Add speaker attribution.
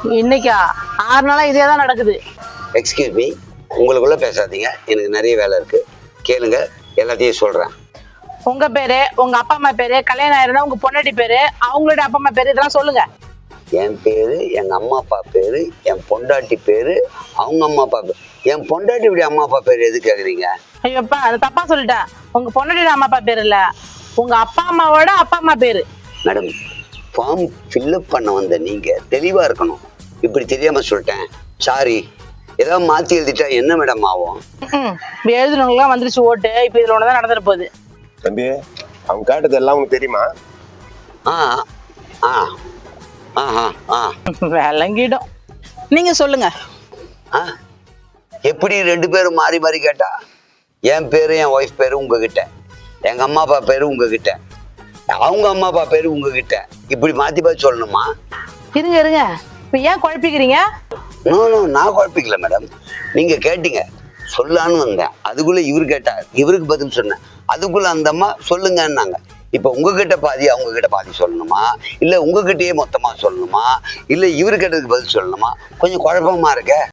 Speaker 1: இன்னைக்கா 6 நாளா இதே தான் நடக்குது.
Speaker 2: எக்ஸ்கியூஸ் மீ, உங்களுக்குள்ள பேசாதீங்க, எனக்கு நிறைய வேலை இருக்கு. கேளுங்க, எல்லாத்தையும் சொல்றேன்.
Speaker 1: உங்க பேரு, உங்க அப்பா அம்மா பேரு, கல்யாணம் ஆயிருந்தா உங்க பொண்டாட்டி பேரு, அவங்களோட அப்பா அம்மா பேரு, இதெல்லாம் சொல்லுங்க.
Speaker 2: என் பேரு, எங்க அம்மா அப்பா பேரு, என் பொண்டாட்டி பேரு, அவங்க அம்மா அப்பா பேரு. என் பொண்டாட்டி இப்படி அம்மா அப்பா பேரு எது கேக்குறீங்க?
Speaker 1: ஐயோப்பா, அது தப்பா சொல்லிட்டேன். உங்க பொண்டாட்டியோட அம்மா அப்பா பேரு இல்ல, உங்க அப்பா அம்மாவோட அப்பா அம்மா பேரு.
Speaker 2: மேடம், ஃபார்ம் ஃபில்அப் பண்ண வந்த நீங்க தெளிவா இருக்கணும். இப்படி தெரியாம சொல்லிட்டேன், சாரி. ஏதாவது மாத்தி எழுதிட்டா என்ன மேடம் ஆகும்?
Speaker 1: இப்ப எழுதுனவங்களாம் வந்துருச்சு ஓட்டு. இப்ப இதுல ஒண்ணுதான் நடந்துட்டு போகுது.
Speaker 3: தம்பி, அவங்க கேட்டது எல்லாம் உனக்கு தெரியுமா?
Speaker 2: ஆ ஆ ஆஹா ஆ
Speaker 1: விளங்கிடும். நீங்க சொல்லுங்க.
Speaker 2: ஆ எப்படி 2 பேரும் மாறி மாறி கேட்டா? என் பேரு, என் ஒய்ஃப் பேரு உங்ககிட்ட, எங்க அம்மா அப்பா பேரு உங்ககிட்ட, அவங்க அம்மா அப்பா பேரு உங்ககிட்ட, இப்படி மாத்தி பார்த்து சொல்லணுமா?
Speaker 1: இருங்க இருங்க, இப்ப ஏன் குழப்பிக்கிறீங்க?
Speaker 2: நோ நோ, நான் குழப்பிக்கல மேடம். நீங்க கேட்டீங்க, சொல்லான்னு வந்தேன். அதுக்குள்ள இவரு கேட்டார், இவருக்கு பதில் சொன்னேன். அதுக்குள்ள அந்த அம்மா சொல்லுங்கன்னாங்க. இப்ப உங்ககிட்ட பாதி அவங்க கிட்ட பாதி சொல்லணுமா, இல்ல உங்ககிட்டயே மொத்தமா சொல்லணுமா, இல்ல இவரு கேட்டதுக்கு பதில் சொல்லணுமா? கொஞ்சம் குழப்பமா இருக்க.